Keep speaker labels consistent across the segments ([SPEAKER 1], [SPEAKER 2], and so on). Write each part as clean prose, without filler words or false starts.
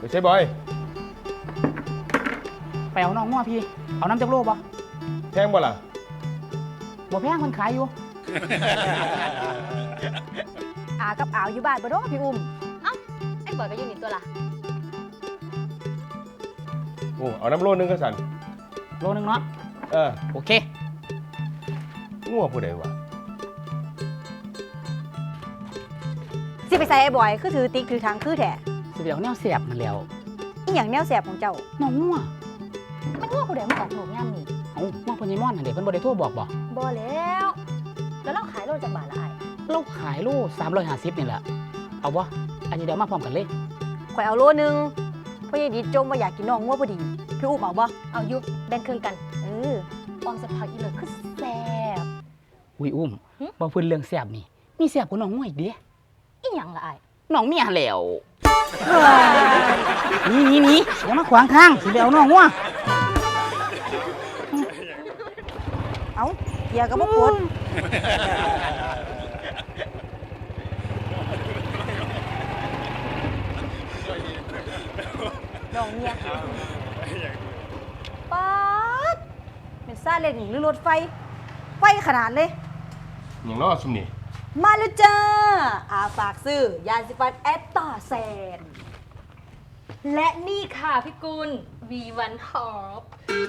[SPEAKER 1] ใช่บอย
[SPEAKER 2] ไปเอาน้องง้อพี่เอาน้ำจากโลบ่
[SPEAKER 1] แพงบ่ล่ะ
[SPEAKER 2] บ่แพงมันขายอยู่
[SPEAKER 3] อากับอาวอยู่บ้านบ่ดอกพี่อุ้ม
[SPEAKER 4] ไอ้บอยก็อยู่นี่ตัวละ
[SPEAKER 1] โอ้เอาน้ำโลนึงก็สั่น
[SPEAKER 2] โลนึงเนาะโอเค
[SPEAKER 1] งัวผู้ใดวะ
[SPEAKER 3] สิไปใส่ไอ้บอยคือถือติ๊กถือทางคือแท้
[SPEAKER 2] สิไปเอาแนวเสียบมันแล้ว
[SPEAKER 3] อีหยังแนวแสบของเจ้า
[SPEAKER 2] น้องงัว
[SPEAKER 4] มันว่าผู้ใดมาออกหนูย่ำนี่
[SPEAKER 2] เอ้าว่าเพิ่นยี่ม่อนหั่นเด้เพิ่นบ่ได้โทรบอกบ่
[SPEAKER 4] บ่แล้วแล้วเราขายโลจากบาทละไอ้
[SPEAKER 2] เราขายโล350นี่แหละเอาบ่อันนี้เดี๋ยวมาพร้อมกันเลย
[SPEAKER 3] ข่อยเอาโลนึงเพราะยายดิจมว่าอยากกินน้องงัวพอดีพี่อุ้มเอาบ่
[SPEAKER 4] เอายุแบ่งครึ่งกัน
[SPEAKER 3] เออ
[SPEAKER 4] ออมสักพักอีเลยคือแซ่บ
[SPEAKER 2] อุ้ยอุ้มบ่เพิ่นเรื่องแซ่บนี่มีแซ่บกว่าน้องงัวอีกเด้
[SPEAKER 4] อีหยังละไอ้
[SPEAKER 2] น้องเมียแล้วนี่อย่ามาขวางทางสิไปเอาน้องงัว
[SPEAKER 3] เอาเกียร์ก็บ่กดน้องเมียป๊าดเป็นซาเล้งหรือรถไฟไฟขนาดเลย
[SPEAKER 1] อย่างน้อซุมนี่
[SPEAKER 3] มาแล้วจ้าอาฝากซื้อยาสีฟันแอตตาแซน
[SPEAKER 4] และนี่ค่ะพี่กุล V1 Top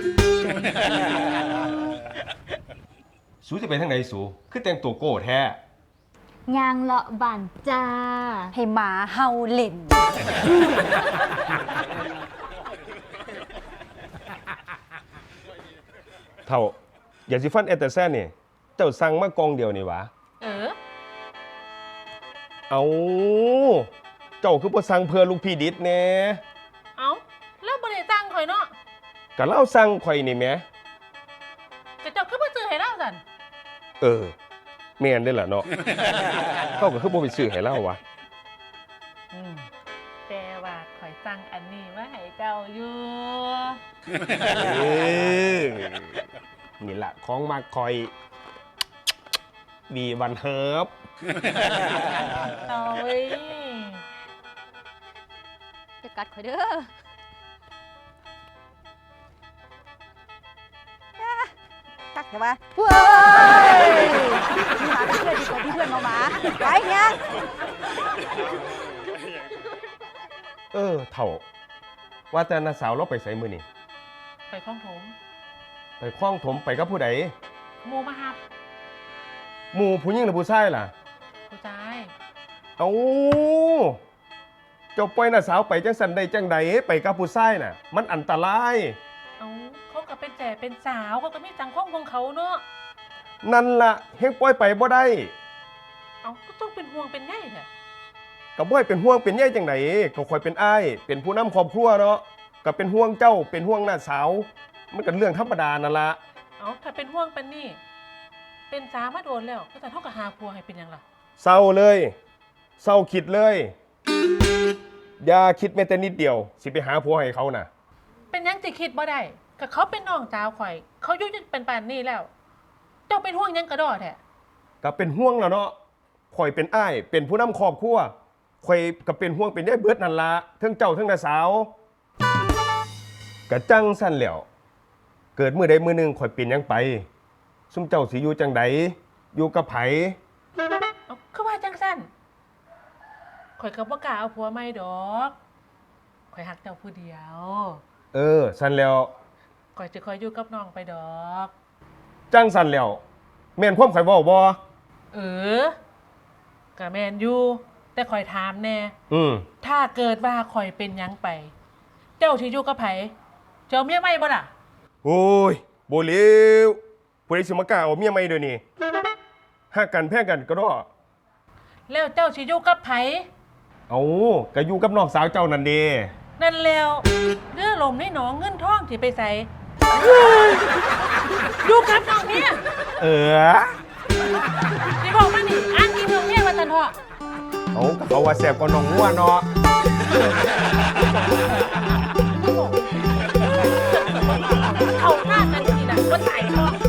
[SPEAKER 1] สูจะไปทางไหนสูคือแต่งตัวโก้แท้
[SPEAKER 4] ยางเลาะบันจ้า
[SPEAKER 3] ให้หมาเฮาเล่น
[SPEAKER 1] เท่าอย่าสิฟันแอตเตอร์แซนนี่เจ้าสั่งมากองเดียวนี่หวะ เอาเจ้าคือบ่สั่งเพื่อลูกพี่ดิษแน่
[SPEAKER 5] เอาแล้วบ่ได้สั่งข่อยเนาะ
[SPEAKER 1] ก็เล่าสั่งข่อยนี่แหม
[SPEAKER 5] ก็เจ้าคือบ่ซื้อให้เราสั่น
[SPEAKER 1] แม่นได้ล่ะเนาะ เขาก็คือบ่ไปซื้อให้เราวะ
[SPEAKER 5] แต่ว่าข่อยสั่งอันนี้มาให้เจ้าอยู่
[SPEAKER 1] เออนี่ล่ะของมักข่อยดีวันเฮิบ
[SPEAKER 5] เอาเว้ย
[SPEAKER 4] จะกัดข่อยเด้อ
[SPEAKER 3] ตักใช่ปะเว้ยมีหมาเป็นเพื่อนดีกว่าที่เพื่อนหมาไปเนี่ย
[SPEAKER 1] เถ่าว่าแต่น้าสาวเราไปไสมื้อนี่
[SPEAKER 5] ไปคล้องถม
[SPEAKER 1] ไปคล้องถมไปกับผู้ใด
[SPEAKER 5] หมูมาหับ
[SPEAKER 1] หมู่ผู้หญิงหรือผู้ชายล่ะ
[SPEAKER 5] ผู้ชาย
[SPEAKER 1] เอาเจ้าปล่อยน้าสาวไปจังสันใดจังใดไปกับผู้ชายน่ะ มันอันตราย
[SPEAKER 5] เอาเขาก็เป็นแจ่เป็นสาวเขาก็มีสังคมของเขาเนาะ
[SPEAKER 1] นั่นล่ะเฮงปล่อยไปบ่ได้
[SPEAKER 5] เอาก็ต้องเป็นห่วงเป็นใยแท้
[SPEAKER 1] ก็บ่ให้เป็นห่วงเป็นใยจังไดก็คอยเป็นอ้ายเป็นผู้นำครอบครัวเนาะก็เป็นห่วงเจ้าเป็นห่วงน้าสาว มันก็เรื่องธรรมดานั่นล่ะ
[SPEAKER 5] เอาถ้าเป็นห่วงเป็นนี่ เป็นสาวมาโดนแล้วก็แต่เท่ากับหาผัวให้เป็นหยังล่ะ
[SPEAKER 1] เศร้าเลยเศร้าคิดเลยอย่าคิดแม้แต่นิดเดียวสิไปหาผัวให้เขาน่ะ
[SPEAKER 5] เป็นหยังสิคิดบ่ได้ก็เขาเป็นน้องสาวข่อย เขาอยู่จนเป็นป่านนี้แล้ว เจ้าเป็นห่วงหยังกระดอแท้
[SPEAKER 1] ก็เป็นห่วงแล้วเนาะข่อยเป็นอ้ายเป็นผู้นำครอบครัวข่อยก็เป็นห่วงเป็นได้เบิดนั่นละทั้งเจ้าทั้งน้าสาวกะจังสั่นแหล้วเกิดมื้อใดมื้อหนึงข่อยเป็นหยังไปซุมเจ้าสิอยู่จังใดอยู่กับไผ
[SPEAKER 5] เอาคือว่าจังสั้นข่อยก็บ่กล้าเอาผัวใหม่ดอกข่อยหักเจ้าผู้เดียว
[SPEAKER 1] สั่นแล้ว
[SPEAKER 5] ข่อยจะคอยอยู่กับน้องไปดอก
[SPEAKER 1] จังสั่นแล้วแม่นความข่อยเว้าบ่
[SPEAKER 5] ก็แม่นอยู่แต่ข่อยถามแน่ ถ้าเกิดว่าข่อยเป็นหยังไป เจ้าสิอยู่กับไผเจ้าเมียใหม่บ่ล่ะ
[SPEAKER 1] โอ้ยบ่เลวผู้ใดสิมากล้าเอาเมียใหม่เดี๋ยวนี้ฮักกันแพงกันก็ดอ
[SPEAKER 5] แล้วเจ้าสิอยู่กับไผ
[SPEAKER 1] เอาก็อยู่กับน้องสาวเจ้านั่นเด้
[SPEAKER 5] นั่นแล้วเรือลมในหนองเงินทองสิไปใส่อยู่กับน้องเมีย สิบอกมานี่อ้างอีเมืองเมียว่าซั่นเถาะ
[SPEAKER 1] เอาก็เขาว่าแซ่บกว่าน้องงัวเนาะ
[SPEAKER 5] เอาหน้ากันทีน่ะบ่ตายเถาะ